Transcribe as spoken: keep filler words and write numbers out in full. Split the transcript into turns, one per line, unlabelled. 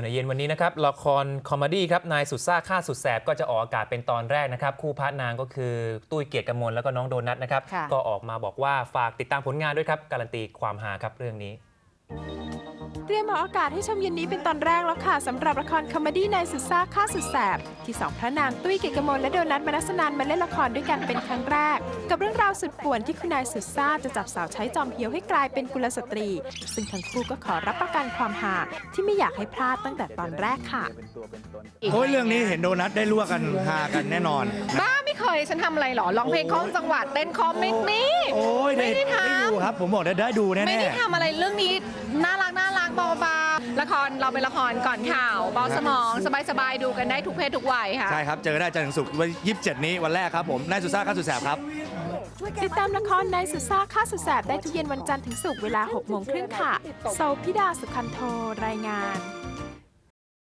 เย็นวันนี้นะครับละครคอมเมดี้ครับนายสุดซ่าฆ่าสุดแสบก็จะออกอากาศเป็นตอนแรกนะครับคู่พระนางก็คือตุ้ยเกียรติกมลแล้วก็น้องโดนัทนะครับก็ออกมาบอกว่าฝากติดตามผลงานด้วยครับการันตีความฮาครับเรื่องนี้
เตรียมออกอากาศให้ชมเย็นนี้เป็นตอนแรกแล้วค่ะสำหรับละครคอมเมดี้นายสุดซ่าฆ่าสุดแสบที่สองพระนางตุ้ยเกียรติกมลและโดนัทมนัสนันมาเล่นละครด้วยกันเป็นครั้งแรกกับเรื่องราวสุดป่วนที่คุณนายสุดซ่าจะจับสาวใช้จอมเหี่ยวให้กลายเป็นกุลสตรีซึ่งทั้งคู่ก็ขอรับประกันความฮาที่ไม่อยากให้พลาดตั้งแต่ตอนแรกค่ะ
โอ้ยเรื่องนี้เห็นโดนัทได้รั่วกันฮากันแน่นอน
บ้าไม่เคยฉันทำอะไรหรอร้องเพลงคล้องจังหวัดเต้นคอมไม่มี
ไม่ได้ทำได้ดูครับผมบอกได้ได้ดูแน่ๆ
ไม่ได้ทำอะไรเรื่องนี้น่ารักน่ารักเบาๆละครเราเป็นละครก่อนข่าวเบาสมองสบายๆดูกันได้ทุกเพศทุกวัยค่ะ
ใช่ครับเจอได้จันทร์ถึงศุกร์วันยี่สิบเจ็ดนี้วันแรกครับผมนายสุดซ่าฆ่าสุดแสบครับ
ติดตามละครนายสุดซ่าฆ่าสุดแสบได้ทุกเย็นวันจันทร์ถึงศุกร์เวลาหกโมงครึ่งค่ะโซพิดาสุขันโทรายงาน